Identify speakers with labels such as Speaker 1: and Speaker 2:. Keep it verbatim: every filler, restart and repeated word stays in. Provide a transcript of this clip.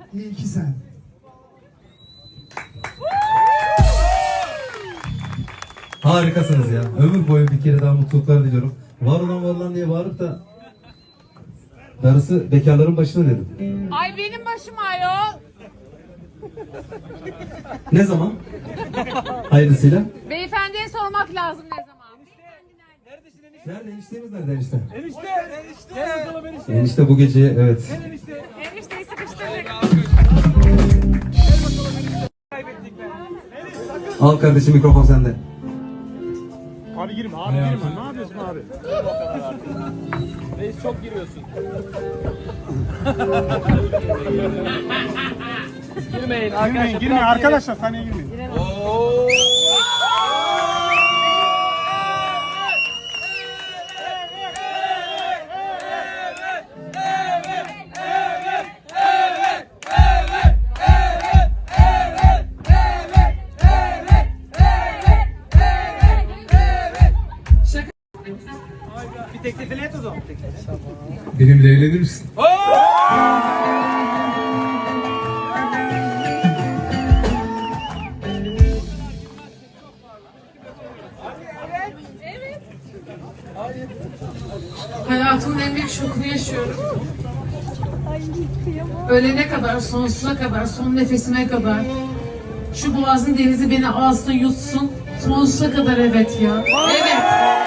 Speaker 1: İyi ki sen.
Speaker 2: Harikasınız ya. Ömür boyu bir kere daha mutluluklar diliyorum. Var olan var olan diye bağırıp da darısı bekarların başına dedim.
Speaker 3: Ay benim başım ayol.
Speaker 2: Ne zaman? Hayırlısıyla.
Speaker 3: Beyefendiye sormak lazım ne zaman?
Speaker 2: Nerede? Eniştemiz nerede enişte?
Speaker 4: Enişte, enişte. Gel bakalım enişte.
Speaker 2: Enişte bu gece evet.
Speaker 4: Gel enişte.
Speaker 3: Enişteyi sıkıştırdık.
Speaker 4: Kaybettik ben.
Speaker 2: Al kardeşim mikrofon sende.
Speaker 4: Abi girme, abi girme. Ne yapıyorsun abi? Reis çok giriyorsun. Girmeyin arkadaşlar. Girmeyin, girmeyin arkadaşlar. Sahneye girmeyin. Bir teklifini et o zaman.
Speaker 2: Benimle evlenir misin?
Speaker 5: Hayatımın en büyük şokunu yaşıyorum. Ölene kadar, sonsuza kadar, son nefesime kadar. Şu boğazın denizi beni alsın, yutsun. Sonsuza kadar evet ya. Evet.